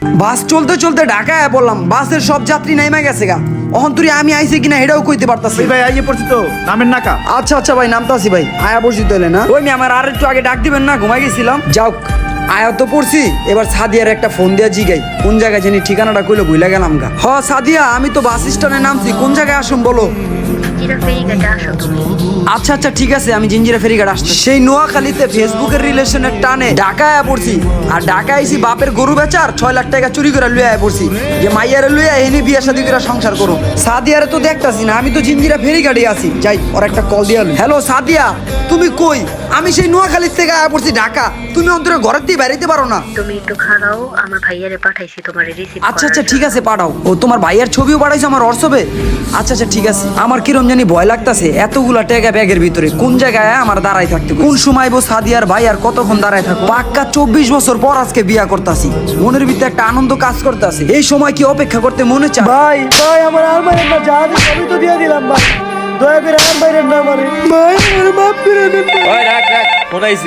বাস চলতে চলতে ঢাকায় বললাম, বাসের সব যাত্রী নাইমা গেছে গা। অহন্তরি আমি আইছি কিনা এটাও কইতে পারতাছি। ভাই আইয়ে পড়ছি তো, নামেন না কা। আচ্ছা আচ্ছা ভাই, নামতাছি ভাই। আয়া পড়ছি তাহলে না? ওই আমার আর একটু আগে ডাক দিবেন না, ঘুমাই গেছিলাম। যাও আয়া তো পড়ছি, এবার সাদিয়ার একটা ফোন দিয়া জিগাই কোন জায়গায় জানি ঠিকানাটা কইলে ভুলে গেলাম গা। হ সাদিয়া, আমি তো বাস স্ট্যান্ডে নামছি, কোন জায়গায় আসুন বলো? আচ্ছা আচ্ছা ঠিক আছে, আমি জিঞ্জিরা ফেরিঘাট আসছি। সেই নোয়াখালীতে ফেসবুকের রিলেশনের টানে ঢাকায় পড়ছি, আর ঢাকায় আইছি বাপের গরু বেচার 6 লাখ টাকা চুরি করে লুয়ে পড়ছি, যে মাইয়ারে লুয়ে এনে বিয়ে শাদী করে সংসার করো। সাদিয়ারে তো দেখতাছি না, আমি তো জিঞ্জিরা ফেরিঘাটে আছি। যাই ওর একটা কল দিয়া। হ্যালো সাদিয়া, তুমি কই? আমি সেই নোয়াখালীর থেকে আয়া পড়ছি ঢাকা, তুমি অন্তরে ঘরের দিয়ে বেরাইতে পারো না? তুমি একটু খাড়াও, আমার ভাইয়ারে পাঠাইছি তোমার রিসিভ। আচ্ছা আচ্ছা ঠিক আছে, পাঠাও। ও তোমার ভাইয়ের ছবিও পাঠাইছো আমার হোয়াটসঅ্যাপে? আচ্ছা আচ্ছা ঠিক আছে। আমার কিরম জানি ভয় লাগতাছে, এতগুলা টাকা ব্যাগের ভিতরে, কোন জায়গায় আমার দাঁড়াই থাকতে, কোন সময় বো সাদিয়ার ভাই আর কতক্ষণ দাঁড়ায় থাকো। পাক্কা 24 বছর পর আজকে বিয়া করতাছি, মনের ভিতরে একটা আনন্দ কাজ করতেছে। এই সময় কি অপেক্ষা করতে মনে চায়? ভাই ভাই আমার আর মারেন না, যা দিন আমি তো দিয়ে দিলাম ভাই, দয়া করে আর মারেন না আমারে ভাই, আমার মাফ করে দেন। ওই রাখ রাখ, ফোন আইছে।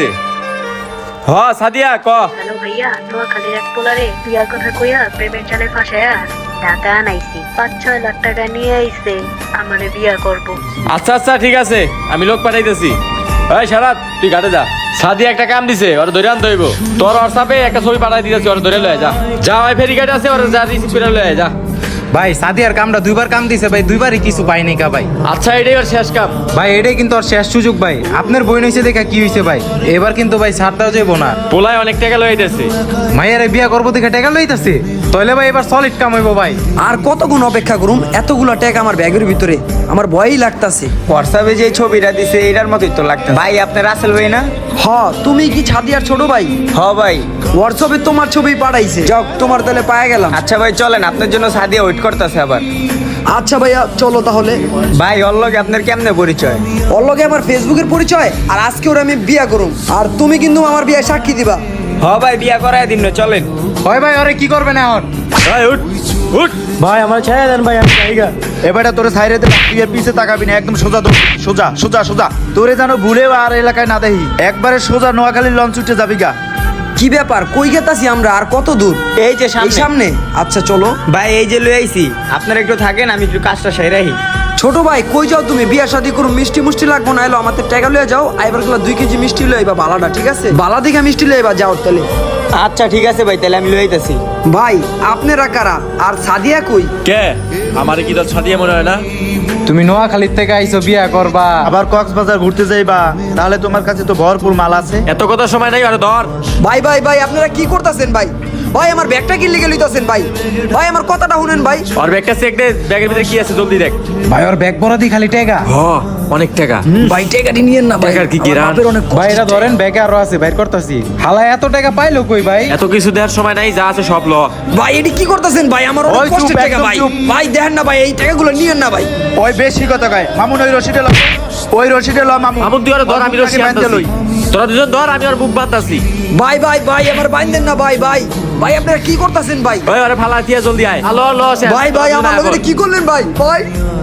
হ সাদিয়া ক। হ্যালো ভাইয়া, নোয়াখালীর এক পোলারে বিয়ার কথা কইয়া প্রেমের জালে ফাঁসায়া ঢাকা আনাইছি। 5-6 লাখ টাকা নিয়ে আইছে, আমারে বিয়া করব। আচ্ছা আচ্ছা ঠিক আছে, আমি লোক পাঠাইতেছি। ওই শারাত, তুই ঘাটে যা। সাদিয়া একটা কাম দিছে, ওরা ধরে আনতে হইব। তোর হোয়াটসঅ্যাপে একটা ছবি পাঠাই দিতেছি, ওরা ধরে লয়ে যা। যা ওই ফেরিঘাটে আছে, ওরা যা রিসিভ করে লয়ে যা। ভাই সাদিয়ার কামটা দুইবার কাম দিছে ভাই, দুইবারই কিছু পাইনি কা ভাই। আচ্ছা এটাই ওর শেষ কাম। ভাই এটাই কিন্তু ওর শেষ সুযোগ ভাই। আপনার বই নইছে দেখা কি হইছে ভাই, এবার কিন্তু ভাই ছাড় দেওয়া যাইব না। পোলায় অনেক টাকা লইতেছে। মাইয়ারে বিয়া করবো দেখে টাকা লইতাছে, তাহলে ভাই এবার সলিড কাম হইব ভাই। আর কতক্ষণ অপেক্ষা করুম? এতগুলা টাকা আমার ব্যাগের ভিতরে, আমার ভয়ই লাগতাছে। হোয়াটসঅ্যাপে যে ছবিটা দিছে এটার মতোই তো লাগতো ভাই। আপনার রাসেল ভাই না? হ, তুমি কি ছাদিয়ার ছোট ভাই? হ ভাই। হোয়াটসঅ্যাপে তোমার ছবি পাঠাইছে, যাও তোমার তাহলে পায়ে গেলাম। আচ্ছা ভাই চলেন, আপনার জন্য সাদিয়া ওয়েট করতেছে আবার। আচ্ছা ভাইয়া চলো তাহলে। ভাই ওর লগে আপনার কেমনে পরিচয়? ওর লগে আমার ফেসবুকের পরিচয়, আর আজকে ওরা আমি বিয়া করুম, আর তুমি কিন্তু আমার বিয়ে সাক্ষী দিবা। হ ভাই বিয়া করায় দিন না, চলেন। হয় ভাই ওরে কি করবেন এখন? ভাই উঠ উঠ। ভাই আমার ছেড়ে দেন ভাই, আমি জায়গা এবারে তোরে সাইরে দে, তুই আর পিছে তাকাবি না, একদম সোজা দৌড়, সোজা সোজা সোজা। তোরে যেন ভুলেও আর এলাকায় না দেখি, একবারে সোজা নোয়াখালীর লঞ্চ উঠে যাবি গা। কি ব্যাপার, কই গেতাছি আমরা, আর কত দূর? এই যে এই সামনে। আচ্ছা চলো ভাই, এই যে লই আইছি, আপনারা একটু থাকেন, আমি একটু কাজটা সেরাই। ছোট ভাই, কই যাও তুমি? বিয়া শাদী করুম, মিষ্টি মুষ্টি লাগবো না, এলো আমাদের টাকা লয়ে যাও। আইবার গুলা 2 কেজি মিষ্টি লয়ে আইবা, বালাটা ঠিক আছে? বালা দিঘা মিষ্টি লয়ে আইবা, যাও তাহলে। আচ্ছা ঠিক আছে ভাই, তাহলে আমি লই আইতাছি। ভাই আপনারা কারা? আর সাদিয়া কই? কে? আমারে কি তোর সাদিয়া মনে হয় না? তুমি নোয়াখালীর থেকে আইছো বিয়া করবা, আবার কক্সবাজার ঘুরতে যাইবা, তাহলে তোমার কাছে তো ভরপুর মাল আছে। এত কথা সময় নাই, আরে ধর। ভাই ভাই ভাই, আপনারা কি করতেছেন ভাই? ভাই আমার ব্যাগটা কি লেগে লইতাছেন ভাই? ভাই আমার কথাটা শুনেন ভাই। ওর ব্যাগটা চেক দে, ব্যাগের ভিতরে কি আছে জলদি দেখ। ভাই ওর ব্যাগ ভরা দি খালি টাকা। হ, অনেক টাকা। ভাই টাকাটি নিয়েন না ভাই, টাকার কি আমার কিরান? বাপের অনেক কষ্ট। ভাই এটা ধরেন, ব্যাগে আরো আছে, বাইর করতেছি। হালা এত টাকা পাইলো কই ভাই? এত কিছু দেওয়ার সময় নাই, যা আছে সব ল। ভাই এটি কি করতেছেন ভাই? আমার অনেক ওই চুপ, কষ্টের টাকা একদম ভাই। চুপ। ভাই দেখেন না ভাই, এই টাকাগুলো নিয়েন না ভাই। ওই বেশি কথা কয় মামুন, ওই রশিদে ল, ওই রশিদে ল মামুন। মামুন তুই ওরে ধর, আমি রশি বাঁধতে আনতাছি। লই। তোরা দুজন ধর, আমি ওর বুক বাঁধতাছি। ভাই ভাই ভাই, আমার বাইন্ধেন না ভাই। ভাই ভাই আপনারা কি করতেছেন ভাই? ওই ওরে ফালা দিয়া জলদি আয়। হ্যালো ল শেষ। ভাই ভাই আমার লগে কি করলেন ভাই? ভাই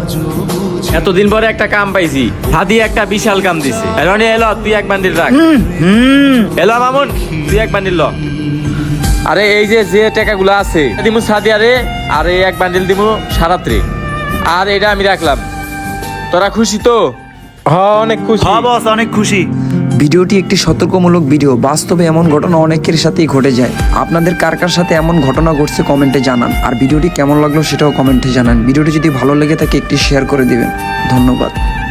এতদিন পরে একটা কাম পাইছি, হাদি একটা বিশাল কাম দিছে। রনি এলো, তুই এক বান্ডিল রাখ। এলো মামুন, তুই এক বান্ডিল ল। আরে এই যে যে টাকাগুলো আছে দিমু সাদিয়ারে, আর এই এক বান্ডিল দিমু সারাত্রে, আর এটা আমি রাখলাম। তোরা খুশি তো? হ্যাঁ অনেক খুশি। হ্যাঁ বস, অনেক খুশি। ভিডিওটি একটি সতর্কমূলক ভিডিও। বাস্তবে এমন ঘটনা অনেকের সাথেই ঘটে যায়। আপনাদের কার কার সাথে এমন ঘটনা ঘটছে কমেন্টে জানান। আর ভিডিওটি কেমন লাগলো সেটাও কমেন্টে জানান। ভিডিওটি যদি ভালো লেগে থাকে একটি শেয়ার করে দিবেন। ধন্যবাদ।